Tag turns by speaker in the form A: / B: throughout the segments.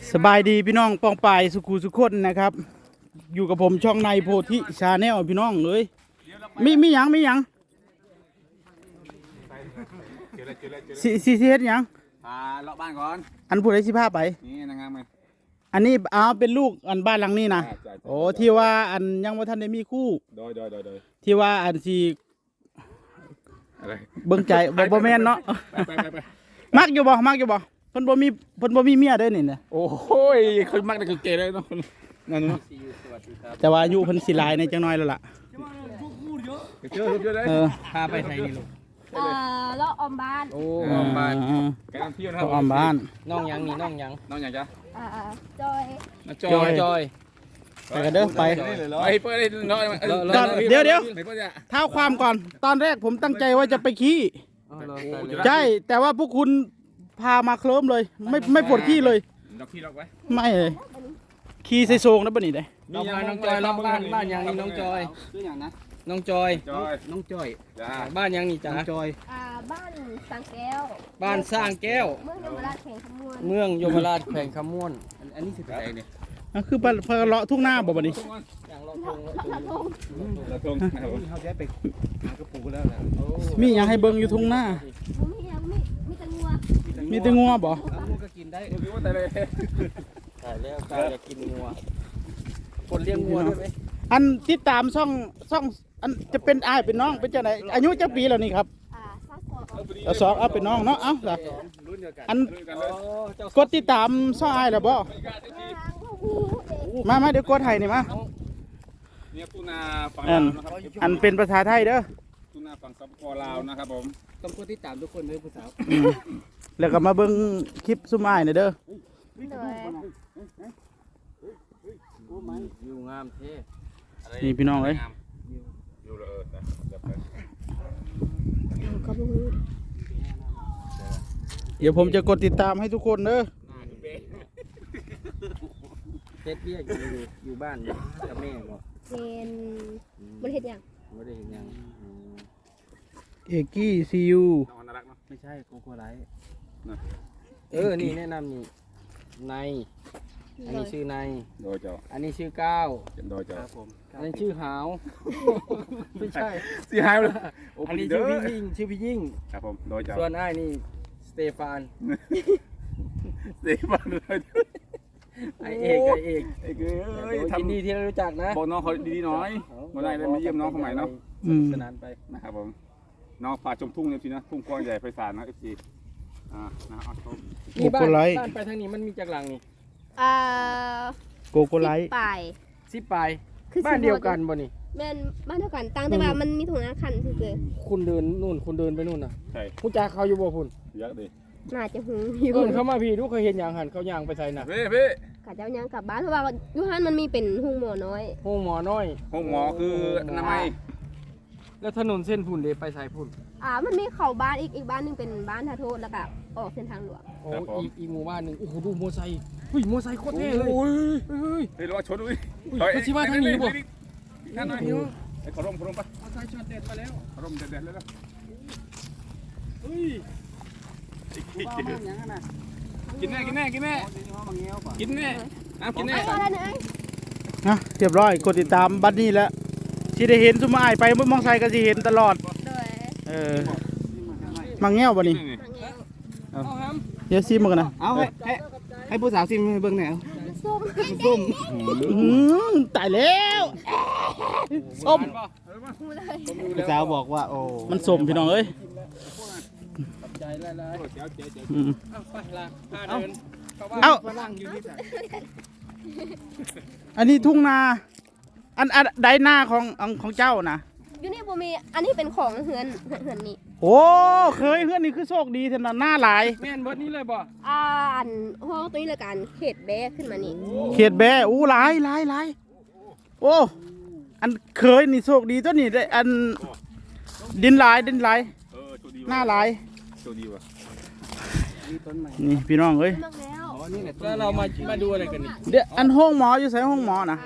A: สบายดีพี่น้องปองปายสุขุสุขคนนะครับอยู่กับผมช่องในโพธิชาแนลพี่น้องเลยมีหยังสิเฮ็ดหยัง
B: เลาะบ้านก่อน
A: อันผู้ใดสิพาไป
B: นี่นางงามไหม
A: อันนี้เป็นลูกอันบ้านหลังนี้นะโอ้ที่ว่าอันยังบ่ทันได้มีคู่
B: โดย
A: ที่ว่าอันสิ
B: อะไร
A: เบิ่งใจบ่แม่นเนาะ
B: ไป
A: มักอยู่บ่เพิ่นบ่มีเมียเด้อนี่นะ
B: โอ้ยคนมักแต่คือเกย์เลยเนาะนั่นเนาะ
A: แต่ว่าอายุเพิ่นสิหลายในจังน้อยแล้วล่ะ
B: เจอเลย
A: พาไปไสนี่ลูก
C: เลาะออมบ้าน
B: โอ้ออมบ้านแกนำเที่ยวนะครับ
A: ออมบ้าน
D: น้องยัง
C: จ้ะ
D: จอย
A: ไปกันเด้อไป
B: เปิดเลยเนาะ
A: เดี๋ยวเท้าความก่อนตอนแรกผมตั้งใจว่าจะไปขี้ใช่แต่ว่าพวกคุณพามาเคลิ้มเลยไม่ปวดขี้เลยไม่เลยขี้ใส่โซงนะบ่นี่ได้
D: น้องจอยเราบ้านยังนี่น้องจอย
B: ชื่ออย่างนะ
D: น้องจอยบ้านยังนี่จ้า
A: จอย
C: บ้านสร้างแก้ว
D: บ้านสร้างแก้ว
C: เมืองยมราชแข่งขมวน
D: เมืองยมราชแข่งขมวนอันนี้สิไปเนี่ย
A: คือเพลาะทุ่งหน้าบ่บ่นี่
B: ละทง
D: เขาจะไปหากระปูแล้วนะ
A: มีอย่างให้เบิ่งอยู่ทุ่งหน้ามีแต่งัวบ่
D: งัวก็กินได้
B: แต่เลย
D: ใช่แล้วกายอยากกินงัวคนเลี้ยงงัวด้วยไหม
A: อันติดตามช่องอันจะเป็นอ้ายเป็นน้องเป็นจังไดอายุจักปีแล้วนี่ครับสองเอาเป็นน้องเนาะอันกดติดตามช่องอ้ายแล้วบ่มาเดี๋ยวกดให้นี่มา
B: เนี่ยปูนาฝั่งลาวนะครับ
A: อันเป็นภาษาไทยเด้อ
B: ปูนาฝั่งสปปลาวนะครับผม
D: ต้องกดติดตามทุกคนเลยผู้สาว
A: แล้วก็มาเบิ่งคลิปซุ่มอ้ายนี่เด้อ
D: อยู่งามเท่
A: นี่พี่น้องเอ้ยเดี๋ยวผมจะกดติดตามให้ทุกคนเด้อ
D: เฮ็ดเบี้ยอยู่บ้านกับแม่บ่
C: เป็นบ่เฮ็ดหยัง
D: บ่ได้เฮ็ดหยัง
A: เอกกี้ซียู
D: ไม่ใช่โกโก้ไลท์นี่แนะนำนี่ในอันนี้ชื่อใน
B: โดยเจ้า
D: อันนี้ชื่อก้าว
B: โดยเจ้า
D: อันนี้ชื่อหาวไม่ใช่
B: ชื่อหาวเลย
D: อันนี้ชื่อพี่ยิ่ง
B: ครับผมโดยเจ้า
D: ส่วนอ้ายนี่สเตฟาน
B: เลย
D: ไอเอก
B: ทำ
D: ดีที่เรารู้จักนะ
B: บอกน้องเขาดีๆน้อยมาได้มาเยี่ยมน้องเขาใหม่เนาะ
D: สนานไป
B: นะครับผมน้องป่าชมทุ่งเนี่ยพี่นะทุ่งกว้างใหญ่ไพศาลนะFCนะเอาชม
D: นี่บ้านไปทางนี้มันมีจากหลังนี่
A: โกโก้ไลท์
D: 10 ปลายบ้านเดียวกันบ่นี่
C: แม่นบ้านเดียวกันต่างแต่ว่ามันมีถุงน้ำคันซื่อ
D: คุณเดินนู่นคุณเดินไปนู่นน่ะ
B: ใช่
D: ผู้จ่าเขาอยู่บ่พุ่น
B: เยอะดิ
C: น่าจะหูอยู่
D: เขามาพี่ดูเคยเห็นอย่างหันเขาย่างไปใส่น่ะ
B: พี่
C: กะเจ้าย่างกลับบ้านเพราะว่าอยู่หันมันมีเป็นห้องหมอน้อย
D: ห้องหมอน้อย
B: ห้องหมอคืออนามัย
D: แล้วถนนเส้นพุ่นเดไปใส่พุ่น
C: มันมีเข้าบ้านอีกบ้านนึงเป็นบ้านทาโทษแล้วก็ออกเส้นทางหลวง
D: โอ้อีกหมู่บ้านนึงโอ้โหดูมอไซค์มอไซค์โคตรเท่เลย
B: เฮ้ยระวังชนด้วย
D: เขาชี้ว่าทางนี้บ่
B: นั่นหน่อยไอ้ขอร่มปะ
D: มอไซค์ช็อตเด็ดมาแล้ว
B: ขอร่มเด็ดเลยนะกินแน่กินแน่กินแน่เ
A: รียบร้อยกดติดตามบัดนี้แล้วที่ได้เห็นซุ่มอ้ายไปมองไซก็สิเห็นตลอดมังแง่วบ่นี่เดี๋ยวซิมกันนะ
D: เอาให้ผู้สาวซิมเบิ่งหน่อย
C: ส้ม
A: ตายแล้วส้ม
D: ผู้สาวบอกว่าโอ้
A: มันส้มพี่น้องเอ้ยเอาอันนี้ทุ่งนาอันใดหน้าของเจ้านะ
C: อยู่นี่บ่มีอันนี้เป็นของเฮือนนี่
A: โอ้เคยเฮือนนี่คือโชคดีเท่านั้นหน้าหลาย
D: แม่นเบิดนี้เลยบ่
C: อันห้องตัวนี้ละกันเขตแบขึ้นมานี่
A: เขตแบหลายโอ้อันเคยนี่โชคดีตัวนี้ได้อันดินหลายหน้าหลายนี่พี่น้องเอ้ย
D: แล้วเรามาดูอะไรกันนี่
A: เดี๋ยวอันห้องหมออยู่ใส่ห้องหมอนะ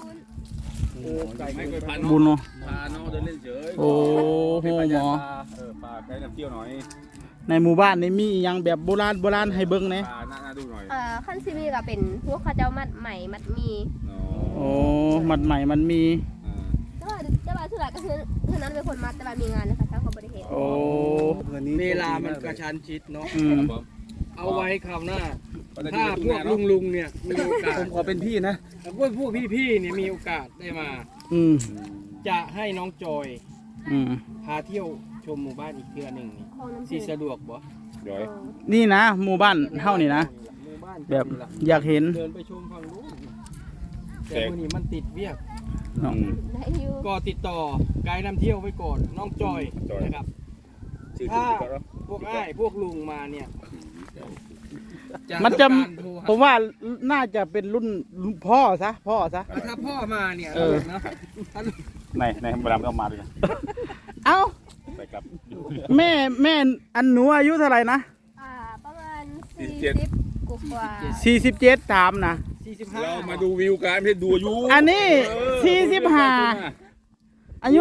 A: บุญเนาะ
B: พาน้องเดินเล่นเฉย
A: โอ้โหหมอ
B: ปลาไก่น้ำเที่ยวหน่อย
A: ในหมู่บ้านนี่มีอหยังแบบโบราณให้เบิ่งแหน่
B: น่าดูหน่อย
C: ขั้นซีมีก็เป็นพวกเขาเจ้ามัดใหม่มัดมี
A: โอ้มัดใหม่มันมี
C: แต่ว่าสุดท้ายก็คือนั้นเป็นคนมัดแต่ว่ามีงานนะคะเจ้าเขาบริเหตุ
A: โอ้
D: เวลามันกระชั้นชิดเนาะ
A: อืม
D: เอาไว้คราวหน้า ถ้าพวกลุงเนี่ยมีโอกาส
B: ผมขอเป็นพี่นะ
D: ถ้าพวกพี่ๆเนี่ยมีโอกาสได้มา
A: อืม
D: จะให้น้องจอย
A: อืม
D: พาเที่ยวชมหมู่บ้านอีกเทื่อหนึ่งนี่
C: คลองน้ำ
D: สิ
C: พุ
D: สะดวกบ่
B: เดี๋ยว
A: นี่นะหมู่บ้านเฮานี่นะ
D: หมู่บ้าน
A: แบบอยากเห็น
D: เดินไปชมฝั่งนู้นแต่มื้อนี้มันติดเวียก
C: ได้อยู่
D: ก็ติดต่อไกด์นำเที่ยวไว้ก่อนน้องจอยนะครับ ถ้าพวกอ้ายพวกลุงมาเนี่ย
A: มันจะ
D: ทำการโทรหา
A: ผมว่าน่าจะเป็นรุ่นพ่อซะ
D: ถ้าพ่อมาเนี่ย
A: เออ
D: เนาะถ้า
B: ในเวลาไม่ต้องมาด้วยนะ
A: เอ้า
B: ไปกลับ
A: แม่อันหนูอายุเท่าไหร่นะ
C: ประมาณ
B: 47
C: 40กว่า
A: 47ถามนะ
D: 45
B: เรามาดูวิวกันไม่ใช่ดูอายุ
A: อันนี้45อายุ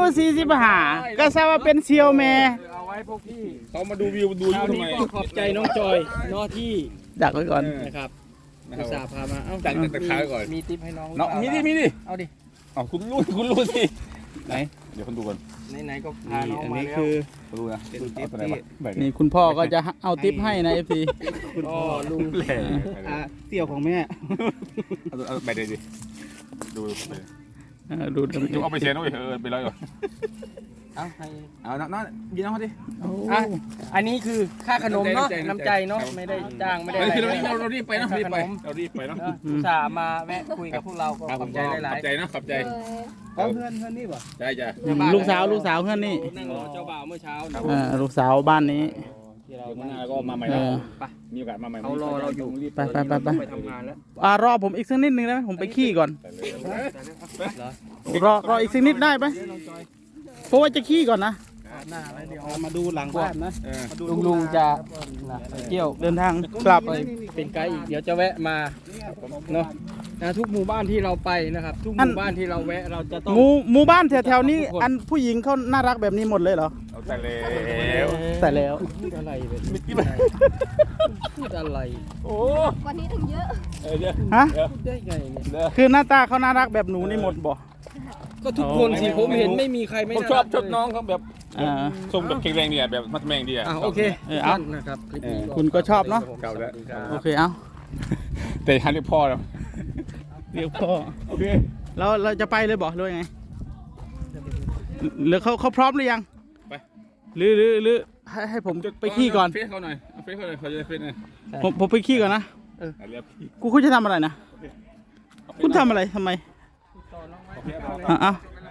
A: 45ก็ทราบว่าเป็นเซียวแม่
D: เอาไว้พวกพี่
B: เขามาดูวิวดูอา
D: ค
B: ยุ
D: ราว
B: ทำ
D: นี้
B: ไม
D: ก็ขอบใจน้องจอยเนาะที่
A: ดักไว้ก่อน
D: นะครับ
B: นะ
D: อุต
B: ค
D: ส่า
B: รับ
D: ห์พามาเอ้า
B: จัดแต่ขาก่อน
D: มีทิปให้น้อง
B: เนาะมีดิ
D: เอาดิ
B: อ๋อคุณรู้สิไหนเดี๋ยวคุณดูก่อน
D: ไหนๆก็พาน้อง
A: อัน
D: มา
A: นี้
D: แล้ว
A: คือ
B: คุณดูนะเอาตัวไหนมาแบ่ง
A: นี่คุณพ่อก็จะเอาทิปให้นะ FC
D: อ๋อลุง
B: แหล่
A: เสี่ยวของแม่
B: เอาแบ่งเลยดิดูไป
A: ดู
B: จุ๊บเอาไปเชียร์ด้วยไปเลยก่อน
D: เอาให้
B: เอาน้องยินน้องเขาดิ
D: อ่ะอันนี้คือค่าขนมเนาะน้ำใจเนาะไม่ได้จ้างไม่ได้อะไร
B: คือ
D: เลย
B: เรารีบไปนะรีบไปเรารีบไปเนาะ
D: อุตส่าห์มาแวะคุยกับพวกเราก็ขอบใจหลาย
B: ขอบใจนะขอบใจ
D: ๆเพื่อนนี่ป่ะ
B: ใช่จ้ะ
A: ลูกสาวเพื่อนนี่
D: นั่งรอเจ้าบ่าวเมื่อเช้านะ
A: ลูกสาวบ้านนี้
D: ที่เรา
B: เดี๋ยวข้างหน้าก็มาใหม่
A: เอ
B: แล้ว
A: อ
B: มีโอกาสมาใหม่
D: เขารอเราอยู่
A: ไป
D: ไปทำงานแล้ว
A: รอผมอีกสักนิดนึงได้ไหมผมไปขี้ก่อน
D: เหรอ
A: รออีกสักนิดได้ไหมเพราะว่าจะขี้ก่อนนะ
D: หน้าแล้วเดี๋ยว
A: มาดูหลังบ้านนะ
D: ลุงจะไปเที่ยว
A: เดินทางกลับ
D: ไปเป็นไกด์อีกเดี๋ยวจะแวะมาเนาะทุกหมู่บ้านที่เราไปนะครับ ทุกหมู่บ้านที่เราแวะเราจะต้อง
A: หมู่บ้านแถวๆนี้อันผู้หญิงเขาน่ารักแบบนี้หมดเลยเหรอ
B: เอาแต่แล้ว
A: แต่แล้ว
D: พูดอะไรแบบพูดอะไร
B: โอ้
C: วันนี้ถึงเยอะ
B: เดี๋ยว
A: ฮะ
D: พูดได้ไงเนี่ย
A: คือหน้าตาเขาน่ารักแบบหนูนี่หมดบ่
D: ก็ทุกคนสิผมเห็นไม่มีใครไม่
B: ผม
D: น่า
B: ชอบ
D: รัก
B: ชอบน้องเขาแบบ
A: อ่า
B: ทรงแบบแข็งแรงดีอ่ะแบบมัดแมงดีอ่ะ
D: โอเค
A: เอา
D: นะครับคลิปนี้
A: คุณก็ชอบเนาะ
B: เก่าแล้ว
A: โอเคเอา
B: แต่ฮันเรียกพ่อแล้ว
A: เรียกพ่อ
B: โอเค
A: แล้วเราจะไปเลยบอกหรือยังไงหรือเขาพร้อมหรือยัง
B: ไป
A: หรือให้ผมไปขี้ก่อน
B: เฟซเขาหน่อยเฟซเขาหน่อยเขาจะเฟซหน่อย
A: ผมไปขี้ก่อนนะ
B: เรียกพี่
A: คุณจะทำอะไรนะคุณทำอะไรทำไมอ่ะ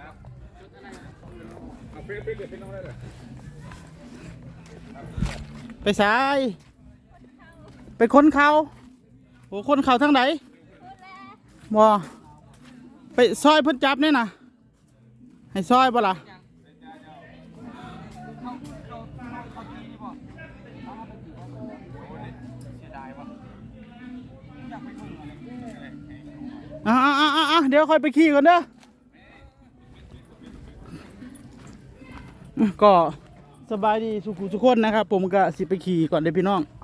B: เฟซเดี๋ยวเฟซน้องได้เลย
A: ไปสายไปค้นเขาโอ้คนเขาทั้งไหนบ่ไปซอยเพิ่นจับเนี่ยนะให้ซอยบ่ล่ะเดี๋ยวค่อยไปขี่ก่อนเด้อก็สบายดีสุขุทุกคนนะครับ ผมก็สิไปขี่ก่อนเด้อพี่น้อง